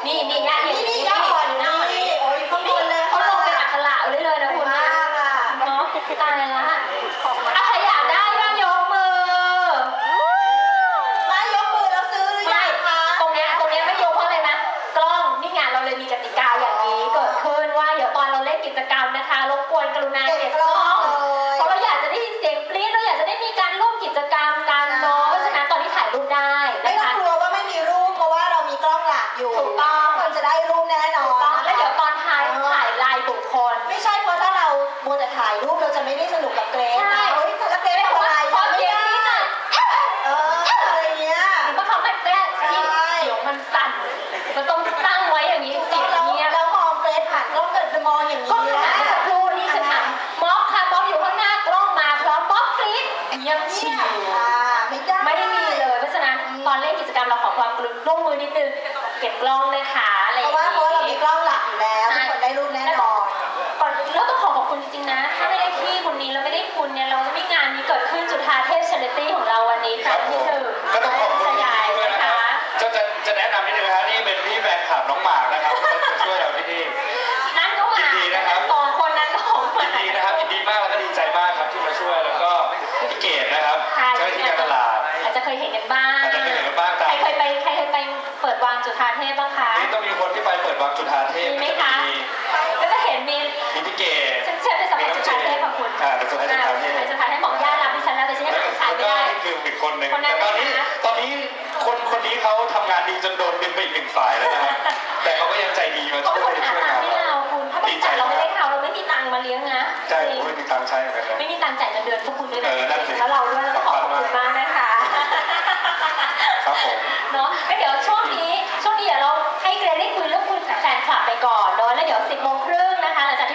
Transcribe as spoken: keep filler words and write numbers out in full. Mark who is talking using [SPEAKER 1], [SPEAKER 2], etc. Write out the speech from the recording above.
[SPEAKER 1] นี่นี่ย่าเห็น
[SPEAKER 2] นี่ย่าอ่อนนี่โอ้ยข้างบนเลย
[SPEAKER 1] เขาลงเป็นอักขระเลยเลยนะคุณนะเนาะตายละอ่ะใครอยากได้บ้างยกมือ
[SPEAKER 2] มายกมือแล้วซื้อหรือยังคะ
[SPEAKER 1] ตรงเนี้ยตรงเนี้ยไม่ยกเพราะอะไรนะกล้องนี่ไงเราเลยมีกติกาอย่างนี้เกิดขึ้นว่าเดี๋ยวตอนเราเล่นกิจกรรมนะคะรบกวนกรุณาเก็บกล้องเพราะเราอยากจะได้ยินเสียงกรี๊ดเราอยากจะได้มีการร่วมกิจกรรมกันเนาะเพราะฉะนั้นตอนนี้ถ่ายรูปได้
[SPEAKER 2] ไม่
[SPEAKER 1] นะ
[SPEAKER 2] ต้อง
[SPEAKER 1] คะ
[SPEAKER 2] กลัวว่าไม่มีรูปเพราะว่าเรามีกล้องหลักอยู่
[SPEAKER 1] ถูกต้อง
[SPEAKER 2] คนจะได้รูปแน่นอน
[SPEAKER 1] แล้วเดี๋ยวตอนท้ายถ่ายลายบุคคล
[SPEAKER 2] ไม่ใช่เพราะถ้าเรามัวแต่ถ่ายรูปเราจะไม่ได้สนุกกับเกรซ
[SPEAKER 1] ใช่
[SPEAKER 2] นะเฮ้ยแต่ละเกรซทำอะไร
[SPEAKER 1] พอ
[SPEAKER 2] ทำไม่
[SPEAKER 1] เสียง
[SPEAKER 2] ได้
[SPEAKER 1] นี้น่ะ
[SPEAKER 2] เอออะไรเงี้ย
[SPEAKER 1] เพราะเขาไม่แก้ที่เดี๋ยวมันสั่นมันต้องตั้งไว้อย่างนี้เสียง
[SPEAKER 2] แล้ว
[SPEAKER 1] เงียบ
[SPEAKER 2] แล้วมองเกรซผ่านกล้องเกิดจะมองอย่าง
[SPEAKER 1] ก็
[SPEAKER 2] นี้
[SPEAKER 1] ขนาดเมื่อสักครู่นี่คือถามม็อบค่ะม็อบอยู่ข้างหน้ากล้องมาพร้อมม็อบกรี๊ดเงียบชิว
[SPEAKER 2] อ่าไม่ได้
[SPEAKER 1] ไม่ได้มีเลยเพราะฉะนั้นตอนเล่นกิจกรรมเราขอความร่วมมือนิดนึงเก็บกล้องนะคะอะไรอ
[SPEAKER 2] เพ
[SPEAKER 1] ย่าง
[SPEAKER 2] ราะว่าเพราะว่าเรามี
[SPEAKER 1] นี้
[SPEAKER 2] กล้องหลักอยู่แล้วทุกคนได้รูปแน่นอน
[SPEAKER 1] ก่อนแล้วต้องขอขอบคุณจริงๆนะถ้าไม่ได้พี่คนนี้แล้วไม่ได้คุณเนี่ยเราไม่มีงานนี้เกิดขึ้นจุฑาเทพชาริตี้ของเราวันนี้
[SPEAKER 3] ค
[SPEAKER 1] ค
[SPEAKER 3] รั
[SPEAKER 1] รั้
[SPEAKER 3] บ
[SPEAKER 1] ง
[SPEAKER 3] ผ
[SPEAKER 1] ที่
[SPEAKER 3] ม
[SPEAKER 1] หนึ่ง
[SPEAKER 3] ก็ต้องขอบคุณ
[SPEAKER 1] ข
[SPEAKER 3] พี่
[SPEAKER 1] ยาย
[SPEAKER 3] ด้วย
[SPEAKER 1] นะ
[SPEAKER 3] นะค
[SPEAKER 1] คะ
[SPEAKER 3] รับจะจะจะแนะนำนิดนึงนะครับนี่เป็นพี่แฟนคลับน้องหมากนะครับที่มาช่วยเราที่นี่
[SPEAKER 1] นั่นก็มา
[SPEAKER 3] ยินดีนะครับ
[SPEAKER 1] สองคนนั้นก็ของมา
[SPEAKER 3] ยินดีนะครับยินดีมากแล้วก็ดีใจมากครับที่มาช่วยแล้วก็พี่เกดนะครับ
[SPEAKER 1] ค่ะ
[SPEAKER 3] เจ้าหน้าที่การตลาด
[SPEAKER 1] อาจจะเคยเห็นกันบ้าง
[SPEAKER 3] อาจจะเคยเห็นกันบ้างแต่
[SPEAKER 1] ใครเคยไปใครเคยไปเปิดวางจุฑาเทพบ้างคะ
[SPEAKER 3] นี่ต้องมีคนที่ไปเปิดวางจุฬาเทพ
[SPEAKER 1] มีไหม
[SPEAKER 3] ก็จะ
[SPEAKER 1] คะ
[SPEAKER 3] มี
[SPEAKER 1] ก็จะเห็นมี
[SPEAKER 3] มีพี่เกด
[SPEAKER 1] ฉันเชื่อเป็นสมัยจุฑาเทพค่ะคุณ
[SPEAKER 3] อ่าเป็นสมัยจุฬาเทพ
[SPEAKER 1] สมัยจุฬาเทพบอกญาติรับดิฉันแล้วแต่ฉันยัง
[SPEAKER 3] แล้ว
[SPEAKER 1] หาขายไม่
[SPEAKER 3] ก็
[SPEAKER 1] ได้
[SPEAKER 3] นี่คืออีกคนหนึ่ง
[SPEAKER 1] คนนั้น
[SPEAKER 3] แต่ตอนนี้
[SPEAKER 1] นะคะ
[SPEAKER 3] ตอนนี้คนคนนี้เขาทำงานดีจนโดนดึงไปอีกหนึ่งฝ่ายแล้วนะครับแต่เขาก็ยังใจดีมา
[SPEAKER 1] เขา
[SPEAKER 3] ช่วย
[SPEAKER 1] เป็นคนหา
[SPEAKER 3] ช่วย
[SPEAKER 1] ตัง
[SPEAKER 3] งาน
[SPEAKER 1] ค์ให้
[SPEAKER 3] เรา
[SPEAKER 1] เราคุณถ้าบริษัทเราไม่ได้เขาเราไม่มีตังค์มาเลี้ยงนะ
[SPEAKER 3] ใช่ผมไม่มีตังค์ใช้เหมือนกันนะ
[SPEAKER 1] ไม่มีตังค์จ่ายเงินเดือนพวกคุณด้วย
[SPEAKER 3] เอ
[SPEAKER 1] นะ
[SPEAKER 3] อนั่นสิ
[SPEAKER 1] แล้วเราด้วยแล้วก็ขอบคุณมากนะคะ
[SPEAKER 3] ครับผม
[SPEAKER 1] เนาะก็เดี๋ยวช่วงนี้ช่วงนี้เดี๋ยวเราให้เกรซได้คุยเรื่องคุยกับแฟนคลับไปก่อนเนาะแล้วเดี๋ยวสิบโมงครึ่ง